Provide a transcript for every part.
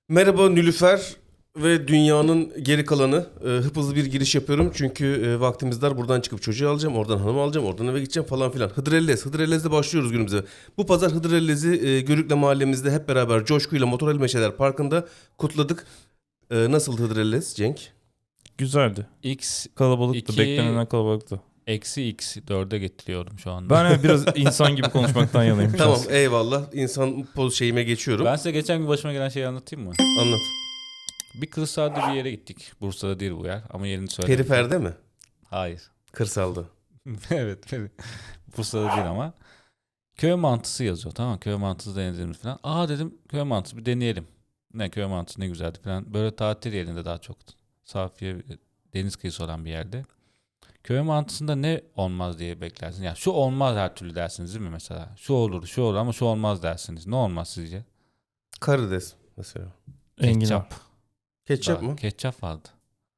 Merhaba Nilüfer ve dünyanın geri kalanı. Hızlı bir giriş yapıyorum çünkü vaktimiz dar. Buradan çıkıp çocuğu alacağım, oradan hanımı alacağım, oradan eve gideceğim falan filan. Hıdrellez. Hıdrellez'de başlıyoruz günümüze. Bu pazar Hıdrellez'i Görükle mahallemizde hep beraber coşkuyla Motorel Meşeler Parkı'nda kutladık. Nasıl Hıdrellez Cenk? Güzeldi. X Kalabalıktı. 2 Beklenenden kalabalıktı. eksi X 4'e getiriyorum şu anda. Ben biraz insan gibi konuşmaktan yanayım. Tamam eyvallah. İnsan poz şeyime geçiyorum. Ben size geçen gün başıma gelen şeyi anlatayım mı? Anlat. Bir kırsalda bir yere gittik. Bursa'da değil bu yer ama yerini söyledim. Periferde mi? Hayır. Kırsalda. Evet. Bursa'da değil ama. Köy mantısı yazıyor, tamam mı? Köy mantısı deneyelim falan. Aa dedim, köy mantısı bir deneyelim. Ne köy mantısı ne güzeldi falan. Böyle tatil yerinde daha çok. Safiye deniz kıyısı olan bir yerde. Köy mantısında ne olmaz diye beklersin. Yani şu olmaz her türlü dersiniz değil mi mesela? Şu olur, şu olur ama şu olmaz dersiniz. Ne olmaz sizce? Karides mesela. Enginar. Ketçap. Ketçap mı? Ketçap vardı.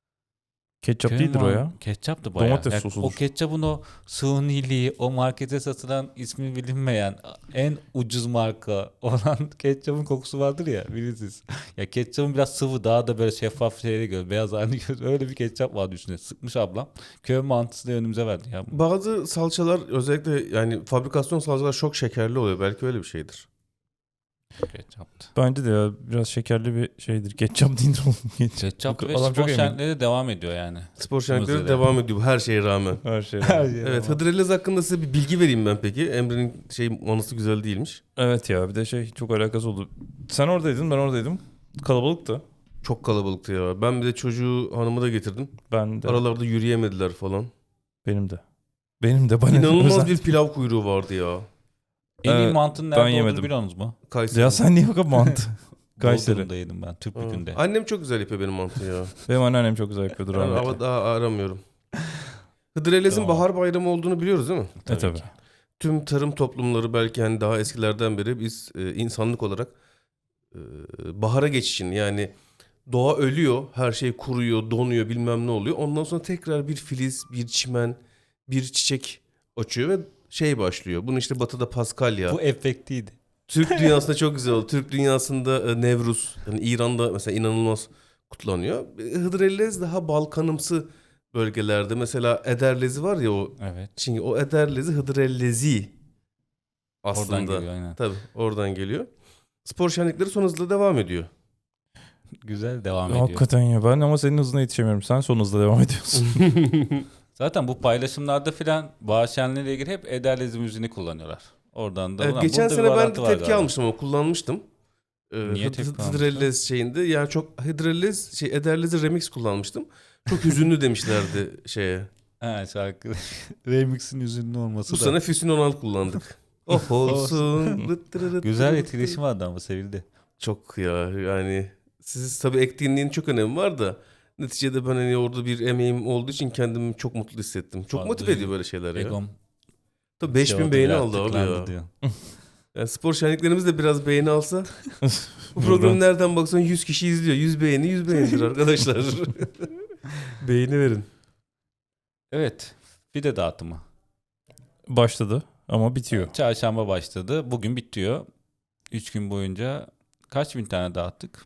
Ketçap Köy değildir o ya. Ketçaptı bayağı. Domates Yani sosudur. o ketçapın o suniliği, o markete satılan ismi bilinmeyen en ucuz marka olan ketçapın kokusu vardır ya, bilirsiniz. Ya ketçapın biraz sıvı, daha da böyle şeffaf şeyleri göz, beyaz halini göz. Öyle bir ketçap vardı üstüne. Sıkmış ablam. Köy mantısı da önümüze verdi ya. Bazı salçalar özellikle yani fabrikasyon salçalar çok şekerli oluyor. Belki öyle bir şeydir. Ketçaptı. Bence de ya biraz şekerli bir şeydir. Ketçap değildir oğlum. Ketçap ve Adam çok spor emin. şenlikleri de devam ediyor yani. Spor şenlikleri Mızıra. devam ediyor her şeye rağmen. Her şey. Evet, Hıdrellez hakkında size bir bilgi vereyim ben peki. Emre'nin manası güzel değilmiş. Evet ya bir de çok alakası oldu. Sen oradaydın, ben oradaydım. Kalabalıktı. Çok kalabalıktı ya. Ben bir de çocuğu hanımı da getirdim. Ben de. Aralarda yürüyemediler falan. Benim de. Benim de bana İnanılmaz özel. bir pilav kuyruğu vardı ya. En iyi Evet, mantının ben nerede olduğunu yemedim. biliyorsunuz mu? Kayseri. Ya sen niye bakıp mantı? Kayseri. Bodrum'da yedim ben, Türk Ha. Bükü'nde. Annem çok güzel yapıyor benim mantıyı ya. Benim anneannem çok güzel yapıyordur Ben rahmetli. ama daha aramıyorum. Hıdrellez'in Tamam. bahar bayramı olduğunu biliyoruz değil mi? Tabii. ki. Tüm tarım toplumları belki hani daha eskilerden beri biz insanlık olarak bahara geçişin yani doğa ölüyor, her şey kuruyor, donuyor, bilmem ne oluyor. Ondan sonra tekrar bir filiz, bir çimen, bir çiçek açıyor ve başlıyor. Bunu işte Batı'da Paskalya. Bu efektiydi. Türk dünyasında çok güzel oldu. Türk dünyasında Nevruz, yani İran'da mesela inanılmaz kutlanıyor. Hıdrellez daha Balkanımsı bölgelerde. Mesela Ederlezi var ya o. Evet. Şimdi o Ederlezi Hıdrellezi aslında. Oradan geliyor aynen. Tabii oradan geliyor. Spor şenlikleri son hızla devam ediyor. Güzel devam ediyor. Hakikaten ya ben ama senin hızına yetişemiyorum. Sen son hızla devam ediyorsun. Zaten bu paylaşımlarda filan bahar şenliğiyle ilgili hep Ederlezi müziğini kullanıyorlar. Oradan da. Evet, ulan geçen burada bir sene ben de bağlantı var tepki galiba. almıştım ama kullanmıştım. Niye tepki almıştın? Hıdrellez şeyinde. Yani çok Hıdrellez Ederlezi remix kullanmıştım. Çok hüzünlü demişlerdi şeye. Ha, şarkı remix'in üzünlü olması Bu da. sene Füsun Onal kullandık. Oh olsun. Güzel etkileşim vardı ama sevildi. Çok ya yani siz tabii ektiğinin çok önemi var da neticede ben hani orada bir emeğim olduğu için kendimi çok mutlu hissettim. Çok Vallahi motive ediyor böyle şeyler ya. Egom Tabii 5000 beğeni aldı abi ya. diyor. Yani spor şenliklerimiz de biraz beğeni alsa bu programı nereden baksan 100 kişi izliyor. 100 beğeni 100 beğenidir arkadaşlar. Beğeni verin. Evet. Fide dağıtımı. Başladı ama bitiyor. Çarşamba başladı. Bugün bitiyor. 3 gün boyunca kaç bin tane dağıttık?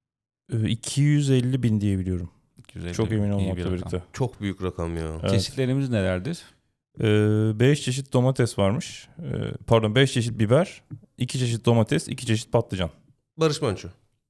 250 bin diye biliyorum. 250 Çok bin. emin İyi bir olmakla rakam. birlikte. Çok büyük rakam ya. Evet. Çeşitlerimiz nelerdir? 5 çeşit domates varmış. 5 çeşit biber, 2 çeşit domates, 2 çeşit patlıcan. Barış Manço.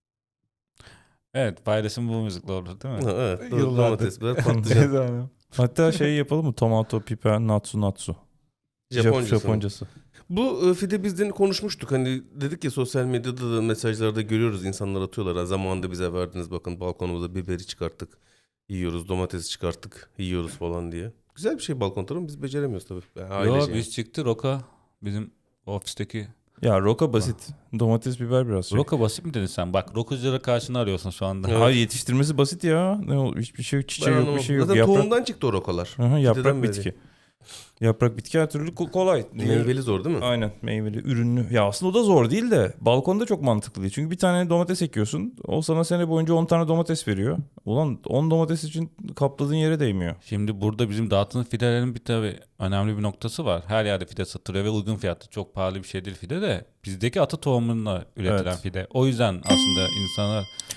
Evet, paylaşım bu müzikle olur değil mi? Ha, evet. Yıllardır. Domates, biber, patlıcan. Hatta yapalım mı? Tomato, piper, natsu. Japoncası. Bu Fide bizden konuşmuştuk. Hani dedik ya sosyal medyada da mesajlarda görüyoruz. İnsanlar atıyorlar. Ha, zamanında bize verdiniz bakın balkonumuza biberi çıkarttık. Yiyoruz. Domatesi çıkarttık. Yiyoruz falan diye. Güzel bir şey balkon tarımı. Biz beceremiyoruz tabii. Yani ailece Yo, yani. biz çıktı Roka. Bizim ofisteki. Ya roka basit. Domates, biber biraz şey. Roka basit mi dedin sen? Bak rokuculara karşını arıyorsun şu anda. Evet. Hayır yetiştirmesi basit ya. Hiçbir şey yok. Ben Çiçeği yok, bir anlamadım. şey yok. Zaten Yaprak, tohumdan çıktı o rokalar. yaprak Fideden bitki. Yaprak bitki her türlü kolay. Meyveli zor değil mi? Aynen meyveli, ürünlü. Ya aslında o da zor değil de balkonda çok mantıklı değil. Çünkü bir tane domates ekiyorsun. O sana sene boyunca 10 tane domates veriyor. Ulan 10 domates için kapladığın yere değmiyor. Şimdi burada bizim dağıtılan fidelerin bir tabii önemli bir noktası var. Her yerde fide satılıyor ve uygun fiyatlı. Çok pahalı bir şey değil fide de. Bizdeki ata tohumunla üretilen Evet. fide. O yüzden aslında insanlar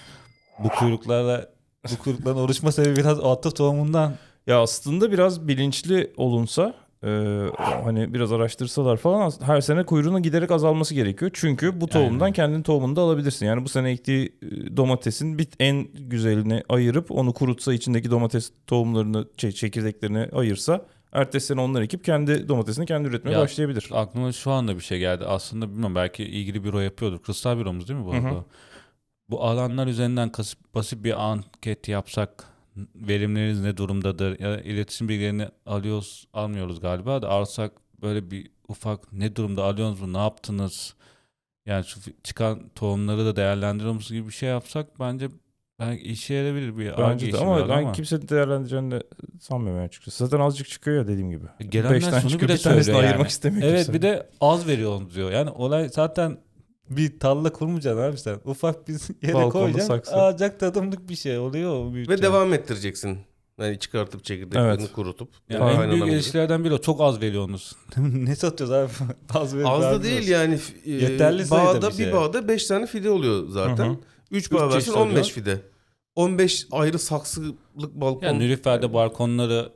Bu kuyrukların oluşma sebebi biraz ata tohumundan. Ya aslında biraz bilinçli olunsa hani biraz araştırsalar falan her sene kuyruğunun giderek azalması gerekiyor. Çünkü bu tohumdan Aynen. kendin tohumunu da alabilirsin. Yani bu sene ektiği domatesin en güzelini ayırıp onu kurutsa, içindeki domates tohumlarını çekirdeklerini ayırsa, ertesi sene onları ekip kendi domatesini kendi üretmeye Ya, başlayabilir. Aklıma şu anda bir şey geldi. Aslında bilmiyorum, belki ilgili büro yapıyordur. Kristal büromuz değil mi bu Hı hı. arada? Bu alanlar üzerinden basit bir anket yapsak, verimleriniz ne durumdadır? Ya da iletişim bilgilerini almıyoruz galiba da, alsak böyle bir ufak ne durumda, alıyorsunuz mu, ne yaptınız? Yani şu çıkan tohumları da değerlendiriyor musunuz gibi bir şey yapsak bence belki işe yarayabilir, bir Ar-Ge Bence de işi ama biraz ben ama. kimse değerlendireceğini de sanmıyorum açıkçası. Zaten azıcık çıkıyor ya dediğim gibi. Gelenler 5 tane şunu çıkıyor, bile bir tanesini söylüyor ayırmak yani. istemiyor Evet, kimse. bir de az veriyorsunuz diyor. Yani olay zaten bir tarla kurmayacaksın abi sen. Ufak bir yere Balkonda koyacaksın. saksı. Alacak tadımlık bir şey oluyor o Ve büyüteceksin. devam ettireceksin. Yani çıkartıp çekirdeklerini Evet. kurutup. Yani Aynen en büyük gibi. eleştirilerden biri o. Çok az veriyorsunuz. Ne satıyoruz abi? Az verip Az da vermiyoruz. değil yani. Yeterli sayıda Bağda bir şey. bir bağda 5 tane fide oluyor Hı zaten. hı. 3 Üç bağ versin çeşit 15 oluyor. fide. 15 ayrı saksılık balkon. Yani Nilüfer'de balkonları,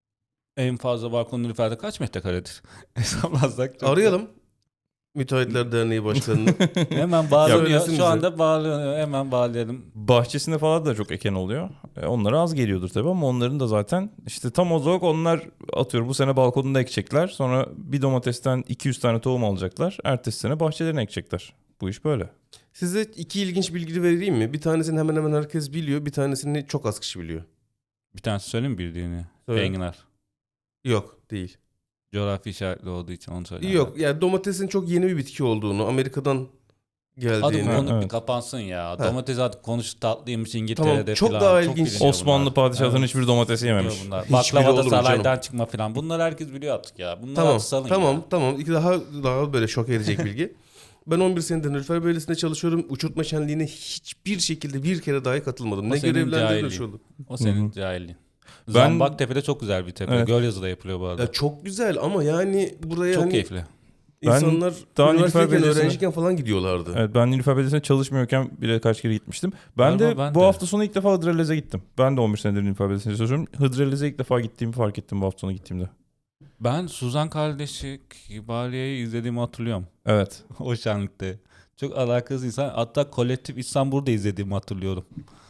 en fazla balkon Nilüfer'de kaç metrekaredir? Hesaplarsak çok. Arayalım. Müteahhitler Derneği Başkanı'nı. Hemen bağlanıyor. Söylesin bize. Şu anda bağlanıyor. Hemen bağlayalım. Bahçesinde falan da çok eken oluyor. Onlara az geliyordur tabii ama onların da zaten işte tam olarak onlar atıyorum bu sene balkonunda ekecekler. Sonra bir domatesten 200 tane tohum alacaklar. Ertesi sene bahçelerine ekecekler. Bu iş böyle. Size 2 ilginç bilgi vereyim mi? Bir tanesini hemen hemen herkes biliyor. Bir tanesini çok az kişi biliyor. Bir tanesi söyleyeyim mi bildiğini? Söyle. Enginar. Yok değil. Coğrafi işaretli olduğu için onu söyleyeyim. Yok yani domatesin çok yeni bir bitki olduğunu, Amerika'dan Hadi geldiğini. bu konu Evet. bir kapansın ya. Ha. Domates artık konuştu, tatlıymış İngiltere'de Tamam, çok falan. daha ilginç. biliniyor Osmanlı bunlar. padişahının Evet. hiçbir domatesi yememiş. Biliyor bunlar. Hiçbiri Baklava olur da mu saraydan canım? çıkma falan. Bunlar herkes biliyor artık ya. Bunları Tamam, artık salın tamam, ya. tamam. İki daha böyle şok edecek bilgi. Ben 11 senedir Nilüfer Belediyesi'nde çalışıyorum. Uçurtma şenliğine hiçbir şekilde bir kere dahi katılmadım. O Ne senin görevlendirme cahilliğin. şu oldu. O senin Hı hı. cahilliğin. Ben- Zambaktepe'de çok güzel bir tepe. Evet. Gölyazı'da yapılıyor bu arada. Ya çok güzel ama yani buraya Çok hani keyifli. insanlar daha Nilüfer üniversiteyken, Belediyesi'ne- öğrenciyken falan gidiyorlardı. Evet, ben Nilüfer Belediyesi'ne çalışmıyorken bile kaç kere gitmiştim. Ben Galiba de ben bu de. hafta sonu ilk defa Hıdrellez'e gittim. Ben de 11 senedir Nilüfer Belediyesi'nde çalışıyorum. Hıdrellez'e ilk defa gittiğimi fark ettim bu hafta sonu gittiğimde. Ben Suzan kardeşi Kibariye'yi izlediğimi hatırlıyorum. Evet. O şenlikte. Çok alakasız insan. Hatta Kolektif İstanbul'da izlediğimi hatırlıyorum.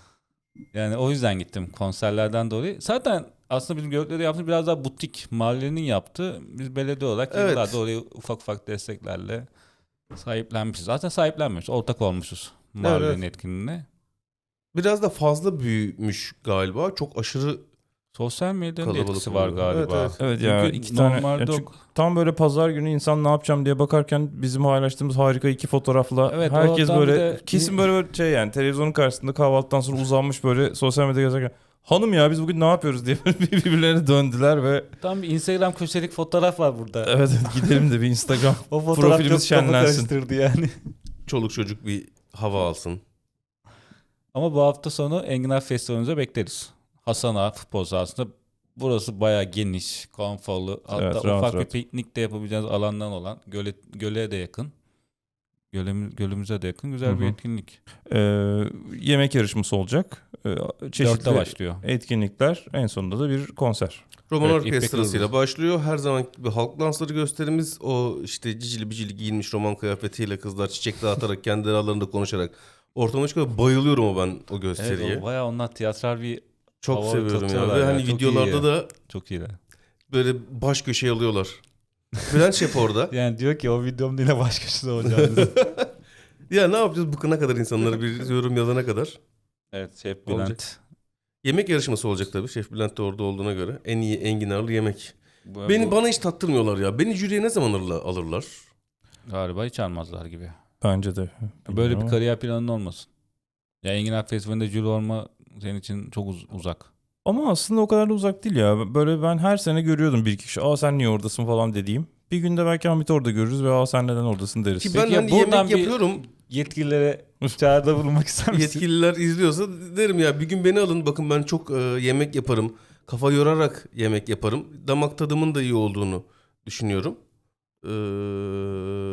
Yani o yüzden gittim konserlerden dolayı. Zaten aslında bizim Gökler'de yaptığımız biraz daha butik, mahallenin yaptığı. Biz belediye olarak Evet. yıllardır orayı ufak ufak desteklerle sahiplenmişiz. Zaten sahiplenmiyoruz. Ortak olmuşuz mahallenin Evet. etkinliğine. Biraz da fazla büyümüş galiba. Çok aşırı Sosyal medyanın da Kalabalık etkisi var oluyor. galiba. Evet, evet. Evet ya, Çünkü iki tane- normalde ya çünkü tam böyle pazar günü insan ne yapacağım diye bakarken bizim paylaştığımız harika 2 fotoğrafla Evet, herkes oradan bir böyle de- kesin böyle şey yani televizyonun karşısında kahvaltıdan sonra uzanmış böyle sosyal medyada gezerken hanım ya biz bugün ne yapıyoruz diye birbirlerine döndüler ve tam bir Instagram köşelik fotoğraf var burada. evet gidelim de bir Instagram O fotoğraf profilimiz çok kafa şenlensin. karıştırdı yani. çoluk çocuk bir hava alsın. Ama bu hafta sonu Enginar Festivali'nize bekleriz. Hasan Ağa futbol sahasında. Burası bayağı geniş, konforlu. Hatta Evet, ufak rahat, bir rahat. piknik de yapabileceğiniz alandan olan, göle de yakın. Gölümüze de yakın güzel Hı bir hı. etkinlik. Yemek yarışması olacak. 4'te Çeşitli başlıyor. etkinlikler, en sonunda da bir konser. Roman Evet, orkestrasıyla İpek başlıyor. Her zaman gibi halk dansları gösterimiz. O işte cicili bicili giyinmiş roman kıyafetiyle kızlar çiçek dağıtarak kendi aralarında konuşarak ortama çıkıyor. Bayılıyorum ben o gösteriye. Evet, o bayağı onlar tiyatral bir Çok hava seviyorum ya. katıyorlar Ve ya. hani Çok videolarda iyi. da çok iyiler. böyle baş köşeye alıyorlar. Bülent Şef orada. Yani diyor ki o videomda yine başkası olacağını. Ya ne yapacağız bıkana kadar insanları bir yorum yazana kadar. Evet, Şef Olacak. Bülent. Yemek yarışması olacak tabii. Şef Bülent de orada olduğuna göre. En iyi enginarlı yemek. Bu Bana hiç tattırmıyorlar ya. Beni jüriye ne zaman alırlar? galiba hiç almazlar gibi. Bence de. Böyle bir Bilmiyorum ama. kariyer planın olmasın. Ya Enginar Festivali'nde jüri olma senin için çok uzak. Ama aslında o kadar da uzak değil ya. Böyle ben her sene görüyordum bir iki kişi. Aa sen niye oradasın falan dediğim. Bir günde belki Hamit'i orada görürüz ve aa sen neden oradasın deriz. Ki Peki ben ya hani buradan yemek bir- yapıyorum. Yetkililere çağrıda bulunmak ister misin? Yetkililer izliyorsa derim ya bir gün beni alın. Bakın ben çok yemek yaparım. Kafa yorarak yemek yaparım. Damak tadımın da iyi olduğunu düşünüyorum.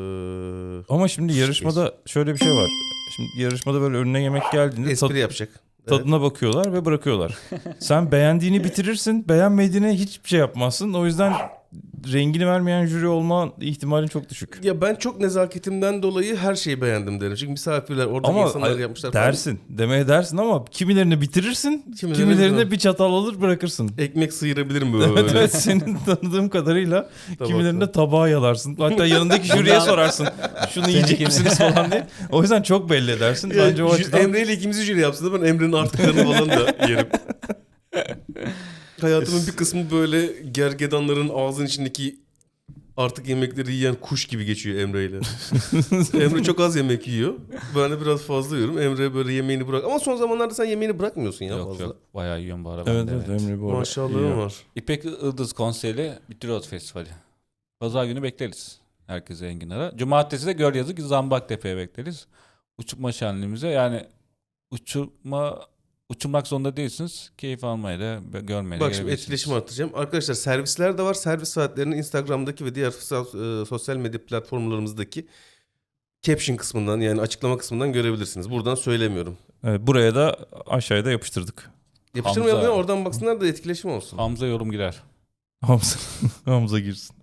Ama şimdi yarışmada şöyle bir şey var. Şimdi yarışmada böyle önüne yemek geldiğinde Espri yapacak. Tadına bakıyorlar ve bırakıyorlar. Sen beğendiğini bitirirsin, beğenmediğine hiçbir şey yapmazsın. O yüzden rengini vermeyen jüri olma ihtimalin çok düşük. Ya ben çok nezaketimden dolayı her şeyi beğendim derim. Çünkü misafirler, oradaki Ama insanlar yapmışlar falan. dersin, demeye dersin ama kimilerini bitirirsin, kimilerini bir çatal alır bırakırsın. Ekmek sıyırabilirim böyle. Evet, evet, senin tanıdığım kadarıyla kimilerini de Tabakla. tabağa yalarsın. Hatta yanındaki jüriye sorarsın. Şunu yiyecek misiniz falan diye. O yüzden çok belli edersin. Bence o açıdan... Emre ile ikimizi jüri yapsın da ben Emre'nin artıklarını falan da yerim. Hayatımın bir kısmı böyle gergedanların ağzının içindeki artık yemekleri yiyen kuş gibi geçiyor Emre ile. Emre çok az yemek yiyor. Ben de biraz fazla yiyorum. Emre böyle yemeğini bırak. Ama son zamanlarda sen yemeğini bırakmıyorsun ya Yok fazla. yok. Bayağı yiyorum bu ara ben Evet, de. evet, Emre bu arada Maşallahım yiyor. var. İpek Yıldız konseri Bitiriyoruz Festivali. Pazar günü bekleriz. Herkese Enginar'a. Cumartesi de Gölyazı Zambaktepe'ye bekleriz. Uçurma şenliğimize yani uçurmak zorunda değilsiniz. Keyif almaya da görmeye de Bak şimdi gelebilirsiniz. etkileşim arttıracağım. Arkadaşlar servisler de var. Servis saatlerini Instagram'daki ve diğer sosyal medya platformlarımızdaki caption kısmından yani açıklama kısmından görebilirsiniz. Buradan söylemiyorum. Evet, buraya da aşağıya da yapıştırdık. Yapıştırmayalım Hamza. ya, oradan baksınlar da etkileşim olsun. Hamza yorum girer. Hamza, Hamza girsin.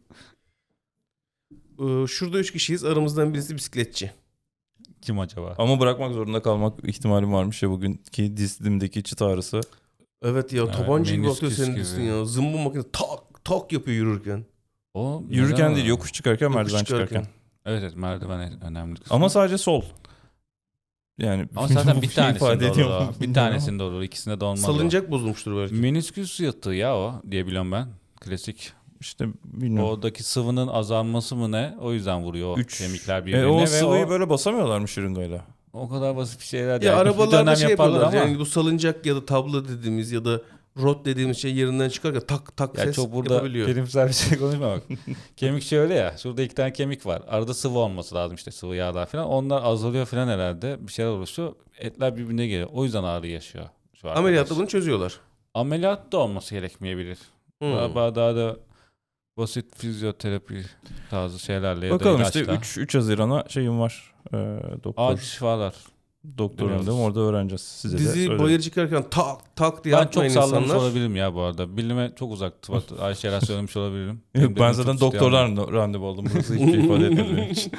Şurada 3 kişiyiz. Aramızdan birisi bisikletçi. Kim acaba? Ama bırakmak zorunda kalmak ihtimalim varmış ya bugünkü dizimdeki çıt ağrısı. Evet ya, Evet, tabanca gibi menisküs atıyor senin gibi. dizin ya. Zımbı makine tak tak yapıyor yürürken. O Yürürken neden? değil, yokuş çıkarken, Yokuş merdiven çıkarken. çıkarken. Evet evet merdiven önemli kısmı. Ama sadece sol. Yani Ama zaten bu bir şey tanesinde ifade ediyor olur mu o. Bir bilmiyorum tanesinde olur. İkisinde de olmaz. Salıncak bozulmuştur belki. Menisküs yırtığı ya o diye biliyorum ben. Klasik. ama. İşte bilmiyorum. Oradaki sıvının azalması mı ne? O yüzden vuruyor o Üç. kemikler birbirine O ve sıvıyı o, böyle basamıyorlar mı şırıngayla? o kadar basit bir şeyler değil. Ya Bir arabalarda dönem şey yaparlar yapıyorlar. ama Yani bu salıncak ya da tablo dediğimiz ya da rot dediğimiz şey yerinden çıkarken tak tak ya ses çok burada yapabiliyor. bilimsel bir şey konuşma bak. Kemik şöyle ya. Şurada 2 tane kemik var. Arada sıvı olması lazım işte sıvı yağlar falan. Onlar azalıyor falan herhalde. Bir şeyler oluşuyor. Etler birbirine geliyor. O yüzden ağrı yaşıyor. Şu arkadaş. Ameliyatta bunu çözüyorlar. Ameliyat da olması gerekmeyebilir. Hmm. Galiba daha da basit fizyoterapi tarzı şeylerle ya Bakalım da işte ilaçla. 3 Haziran'a şeyim var. Doktor. Acil şifalar. Doktorunda Biliyoruz. orada öğreneceğiz. Size de Dizi söylerim. bayır çıkarken tak tak diye Ben çok atmayın sallamış insanlar. olabilirim ya bu arada. Bilime çok uzaktı. Ayşe şeyler söylemiş olabilirim. Yok, Benim ben de zaten çok isteyen var. doktorlarla randevu aldım. Burası hiçbir şey ifade etmedi benim için.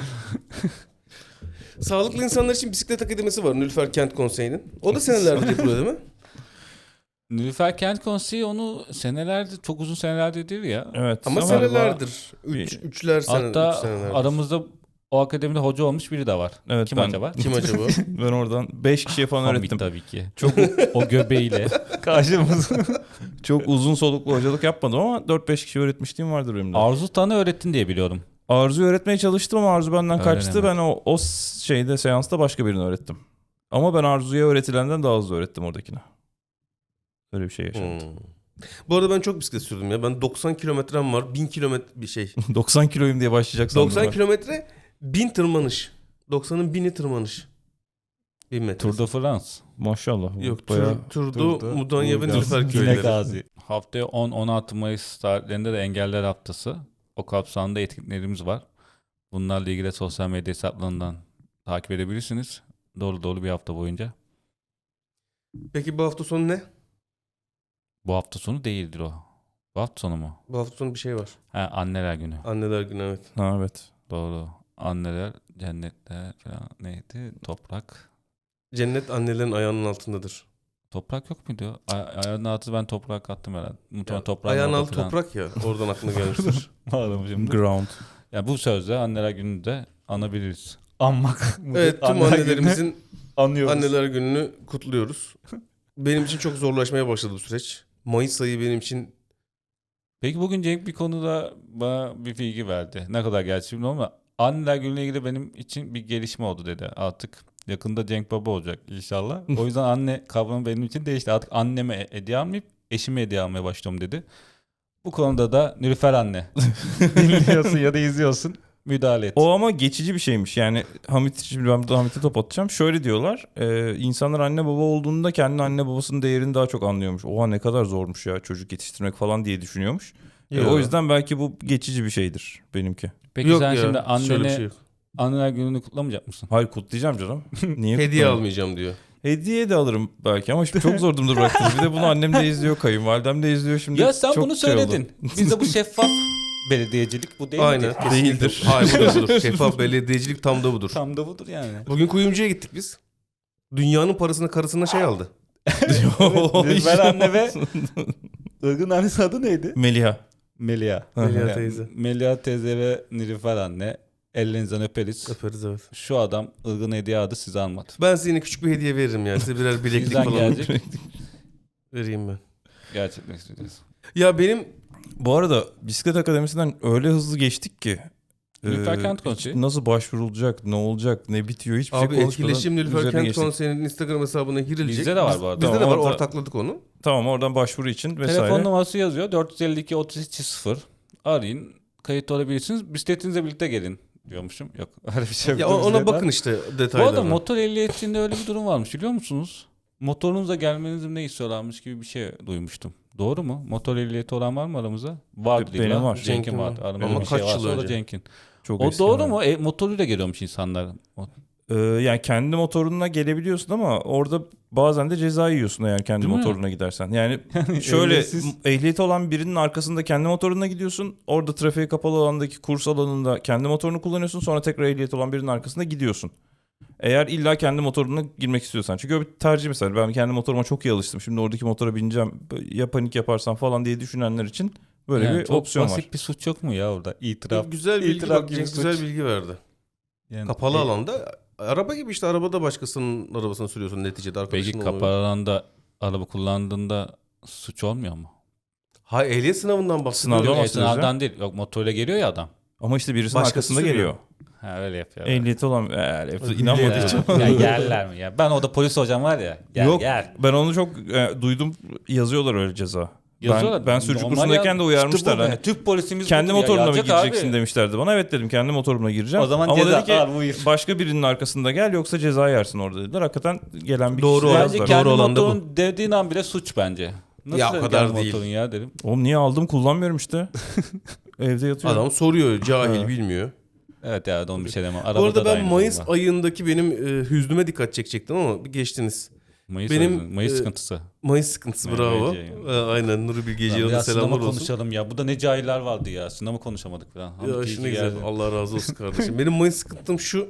Sağlıklı insanlar için bisiklet akademisi var Nülfer Kent Konseyi'nin. O da senelerdir yapılıyor değil mi? Nilüfer Kent Konseyi onu senelerdir, çok uzun senelerdir değil ya. Evet. Ama Galiba- senelerdir. Üçler sene, Hatta üç senelerdir. aramızda o akademide hoca olmuş biri de var. Evet, Kim ben- acaba? Kim acaba? Ben oradan 5 kişiye falan Hamit öğrettim. tabii ki. Çok o göbeğiyle karşımızda. Çok uzun soluklu hocalık yapmadım ama 4-5 kişi öğretmişliğim vardır benim de. Arzu Tan'ı öğrettin diye biliyorum. Arzu'yu öğretmeye çalıştım ama Arzu benden Öyle kaçtı. mi? Ben o şeyde seansta başka birini öğrettim. Ama ben Arzu'ya öğretilenden daha hızlı öğrettim oradakine. Öyle bir şey yaşandı. Bu arada ben çok bisiklet sürdüm ya. Ben 90 kilometrem var. 1000 kilometre bir şey. 90 kiloyum diye başlayacak sandım 90 ben. kilometre 1000 tırmanış. 90'ın 1000'i tırmanış. 1000 metre. Tour de France. Maşallah. Yok bayağı... Turdu Mudanya ve Burgaz. Nilüfer Yine köyleri. Gazi. Haftaya 10-16 Mayıs tarihlerinde de Engeller Haftası. O kapsamda etkinliklerimiz var. Bunlarla ilgili sosyal medya hesaplarından takip edebilirsiniz. Dolu bir hafta boyunca. Peki bu hafta sonu ne? Bu hafta sonu değildir o. Bu hafta sonu mu? Bu hafta sonu bir şey var. Ha, Anneler Günü. Anneler günü, evet. Ha, evet. Doğru. Anneler, cennetler falan neydi? Toprak. Cennet annelerin ayağının altındadır. Toprak yok muydu? Ayağının altı ben toprak attım herhalde. Muhtemelen toprağın Ayağın orada altı falan. toprak ya. Oradan aklına gelmiştir. Bağladım şimdi. Ground. Ya bu sözle Anneler Günü'nü de anabiliriz. Anmak. Evet, tüm Anneler annelerimizin Günü'nü anıyoruz. Anneler Günü'nü kutluyoruz. Benim için çok zorlaşmaya başladı bu süreç. Mayıs ayı benim için Peki bugün Cenk bir konuda bana bir bilgi verdi. Ne kadar gerçi bilmiyorum ama Anneler Günü'yle ilgili benim için bir gelişme oldu dedi. Artık yakında Cenk Baba olacak inşallah. O yüzden anne kavramı benim için değişti. Artık anneme hediye almayıp eşime hediye almaya başlıyorum dedi. Bu konuda da Nilüfer anne dinliyorsun ya da izliyorsun müdahale et. O ama geçici bir şeymiş. Yani şimdi ben burada Hamit'e top atacağım. Şöyle diyorlar. İnsanlar anne baba olduğunda kendi anne babasının değerini daha çok anlıyormuş. Oha ne kadar zormuş ya çocuk yetiştirmek falan diye düşünüyormuş. O yüzden belki bu geçici bir şeydir benimki. Peki yok sen ya. şimdi Şöyle bir şey annene yok. Anneler Günü'nü kutlamayacak mısın? Hayır kutlayacağım canım. Niye Hediye kutlamayayım? almayacağım diyor. Hediye de alırım belki ama şimdi çok zor durumda bıraktınız. Bir de bunu annem de izliyor, kayınvalidem de izliyor şimdi. Ya sen çok bunu şey oldu. söyledin. Bizde bu şeffaf belediyecilik bu değil Aynen. midir? kesinlikle. Değildir. Hayır budur. Şeffaf belediyecilik tam da budur. Tam da budur yani. Bugün kuyumcuya gittik biz. Dünyanın parasını karısına şey aldı. Nilüfer anne ve Irgın annesi adı neydi? Melia. Melia. Melia Yani teyze. Melia teyze ve Nilüfer anne ellerinizden öperiz. Öperiz evet. Şu adam Irgın hediye aldı size almadı. Ben size yine küçük bir hediye veririm yani. Size birer bileklik Bizden falan gelecek. vereyim ben. Gerçekten isteyeceğiz. Ya benim Bu arada bisiklet akademisinden öyle hızlı geçtik ki. Nilüfer Kent hiç Konseyi. nasıl başvurulacak, ne olacak, ne bitiyor hiçbir abi şey etkileşim Nilüfer üzerine Kent geçtik. Konseyi'nin Instagram hesabına girilecek. Bizde de var bu arada. Bizde de Tamam, var orada- ortakladık onu. Tamam oradan başvuru için vesaire. Telefon numarası yazıyor. 452 33 0. Arayın. Kayıt olabilirsiniz. Bisikletinizle birlikte gelin diyormuşum. Yok öyle bir şey yok. Ya ona bakın işte Bu detaylarına. arada motor ehliyetinde öyle bir durum varmış biliyor musunuz? Motorunuzla gelmenizi ne istiyorlarmış gibi bir şey duymuştum. Doğru mu? Motor ehliyeti olan var mı aramızda? Vardı Benim illa. var. Cenk'in Cenk'in vardı. var. Aramızda Ama bir şey kaç yıl varsa o da önce? Cenk'in. Çok O eski doğru yani. mu? Motoruyla geliyormuş insanlar. Yani kendi motoruna gelebiliyorsun ama orada bazen de ceza yiyorsun eğer kendi Değil mi? motoruna gidersen. Yani şöyle ehliyetsiz- ehliyeti olan birinin arkasında kendi motoruna gidiyorsun. Orada trafiğe kapalı alandaki kurs alanında kendi motorunu kullanıyorsun. Sonra tekrar ehliyeti olan birinin arkasında gidiyorsun. Eğer illa kendi motoruna girmek istiyorsan. Çünkü o bir tercih mesela. Ben kendi motoruma çok iyi alıştım. Şimdi oradaki motora bineceğim. Ya panik yaparsam falan diye düşünenler için böyle Yani bir çok opsiyon basit var. bir suç yok mu ya orada? İtiraf. Güzel bilgi İtiraf bak, gibi Cenk suç. güzel bilgi verdi. Yani, Kapalı alanda araba gibi işte arabada başkasının arabasını sürüyorsun neticede Peki arkadaşın olmuyor. kapalı alanda araba kullandığında suç olmuyor mu? Hayır ehliyet sınavından bahsediyorum. Sınavdan Yok bahsediyoruz esnafdan değil. Yok motorla geliyor ya adam. Ama işte birisinin Başkası arkasında sürüyor. geliyor. Ha öyle yapıyor. Ehliyeti olan Hile inanmadığı yapıyor. için. Ya yerler mi ya? Ben orada polis hocam var ya. Gel Yok gel. ben onu çok duydum yazıyorlar öyle ceza. Yazıyorlar. Ben sürücü Normal kursundayken ya. de uyarmışlar. İşte bu Hani be. Türk polisimiz kendi budur ya. motoruna mı Yazacak gireceksin abi. demişlerdi bana. Evet dedim kendi motorumla gireceğim. O zaman Ama ceza dedi ki al, buyur. başka birinin arkasında gel yoksa ceza yersin orada dediler. Hakikaten gelen bir Doğru kişi de olan- Bence yazdılar. kendi Doğru olan da bu. motorun dediğin an bile suç bence. Nasıl Ya o kendi kadar değil. motorun ya dedim. Oğlum niye aldım kullanmıyorum işte. Evde yatıyorum. Adam soruyor cahil Ha. bilmiyor. Evet ya onu bir şey demem. Bu Arabada arada da ben aynı Mayıs durumda. ayındaki benim hüznüme dikkat çekecektim ama bir geçtiniz. Mayıs, benim, Mayıs e, sıkıntısı. Mayıs sıkıntısı Mehmet bravo. Ceyhan. Aynen Nuri Bilge Ceylan'a Biraz selamlar sınavı olsun. konuşalım ya. Bu da ne cahiller vardı ya. Sınavı konuşamadık falan. Ya Hamdi şimdi iyi güzel. geldi. Allah razı olsun kardeşim. Benim Mayıs sıkıntım şu.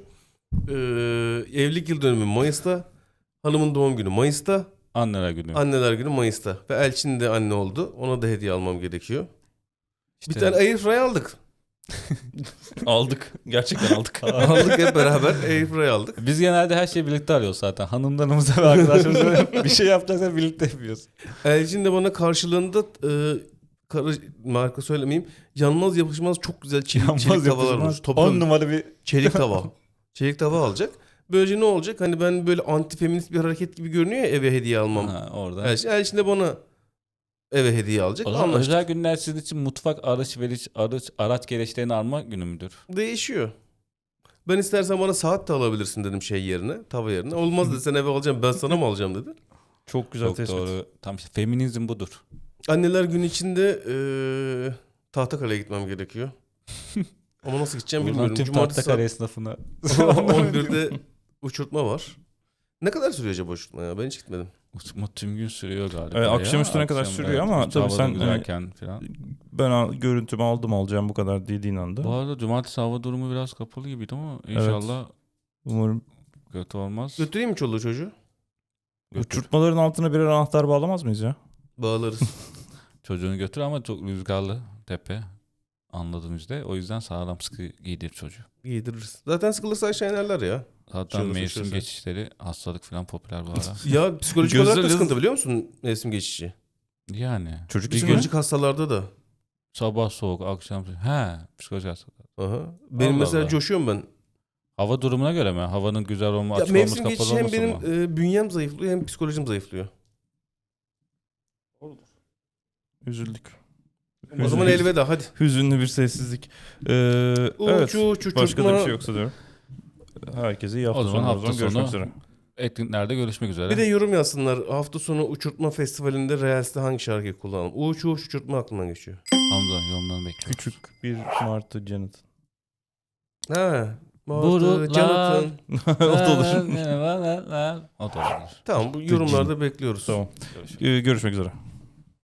Evlilik yıl dönümü Mayıs'ta. Hanımın doğum günü Mayıs'ta. Anneler günü. Anneler günü Mayıs'ta. Ve Elçin de anne oldu. Ona da hediye almam gerekiyor. İşte Bir tane Airfryer aldık. Aldık. Gerçekten aldık. Aldık hep beraber Airfryer aldık. Biz genelde her şeyi birlikte arıyoruz zaten. Hanımlarımıza ve arkadaşlarımıza bir şey yapacaksak birlikte yapıyoruz. Elçin de bana karşılığında marka söylemeyeyim. Yanmaz yapışmaz çok güzel çelik tavalar olmuş. 10 numara bir Çelik tava. Çelik tava alacak. Böylece ne olacak? Hani ben böyle anti feminist bir hareket gibi görünüyor ya eve hediye almam. ha, orada. Elçin de bana eve hediye alacak. O zaman Anlaştık. özel günler sizin için mutfak araç gereçlerini alma günü müdür? Değişiyor. Ben istersen bana saat de alabilirsin dedim şey yerine, tava yerine. Olmaz dedi sen eve alacağım ben sana mı alacağım dedi. Çok güzel Çok tespit. doğru. Tam işte feminizm budur. Anneler günü içinde Tahtakale'ye gitmem gerekiyor. Ama nasıl gideceğim Buradan bilmiyorum. tüm Cumartesi Tahtakale esnafına. saat 11'de uçurtma var. Ne kadar sürüyor acaba uçurtma ya? Ben hiç gitmedim. Uçma tüm gün sürüyor galiba. Evet, ya. akşam üstüne kadar sürüyor ama tabii havadan sen, güzelken falan. Ben görüntümü alacağım bu kadar dediğin anda. Bu arada cumartesi hava durumu biraz kapalı gibiydi ama inşallah Umarım kötü olmaz. Götüreyim mi çoluğu çocuğu? Götür. uçurtmaların altına birer anahtar bağlamaz mıyız ya? Bağlarız. Çocuğunu götür ama çok rüzgarlı tepe. Anladığım üzere. O yüzden sağlam sıkı giydir çocuğu. Giydiririz. Zaten sıkılırsa aşağı inerler ya. Zaten Şöyle mevsim şöyle. geçişleri hastalık falan popüler bu ara. Ya psikolojik Gözler olarak da hızlı- sıkıntı biliyor musun mevsim geçişi? Yani. Çocuk bir için gün mi? Psikolojik hastalarda da. sabah soğuk, akşam soğuk. He, psikolojik hastalık. Aha. Benim Allah mesela Allah. coşuyorum ben. Hava durumuna göre mi? Havanın güzel olma, Ya açık olması, mevsim kapalı geçişi hem olması benim mı? bünyem zayıflıyor hem psikolojim zayıflıyor. Üzüldük. O zaman elveda hadi. Hüzünlü bir sessizlik. Evet. Uçu, Başka da bir şey yoksa diyorum. Herkese iyi hafta O zaman sonu. hafta Görüşmek sonu- üzere. Etkinliklerde görüşmek üzere. Bir de yorum yazsınlar. Hafta sonu uçurtma festivalinde Reels'te hangi şarkıyı kullanalım? Uç uçurtma aklımdan geçiyor. Hamza yorumlarını bekliyorum. Küçük bir martı Janet. Ha, Burular. Jonathan. O da olur. O da olur. Tamam bu yorumlarda bekliyoruz. Tamam. Görüşürüz. Görüşmek üzere.